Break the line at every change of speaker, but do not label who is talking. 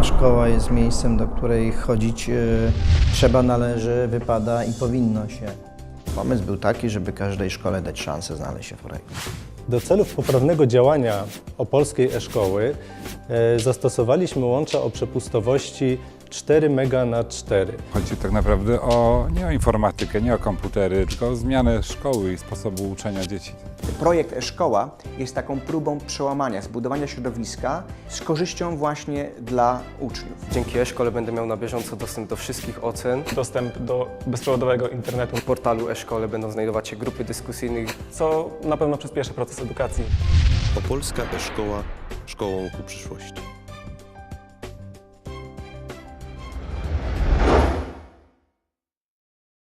szkoła jest miejscem, do której chodzić trzeba, należy, wypada i powinno się. Pomysł był taki, żeby każdej szkole dać szansę znaleźć się w projekcie.
Do celów poprawnego działania opolskiej e-szkoły zastosowaliśmy łącza o przepustowości 4 MB/4.
Chodzi tak naprawdę nie o informatykę, nie o komputery, tylko o zmianę szkoły i sposobu uczenia dzieci.
Projekt e-szkoła jest taką próbą przełamania, zbudowania środowiska z korzyścią właśnie dla uczniów.
Dzięki e-szkole będę miał na bieżąco dostęp do wszystkich ocen.
Dostęp do bezprzewodowego internetu.
W portalu e-szkole będą znajdować się grupy dyskusyjne,
Co na pewno przyspieszy proces edukacji.
Opolska e-szkoła szkołą ku przyszłości.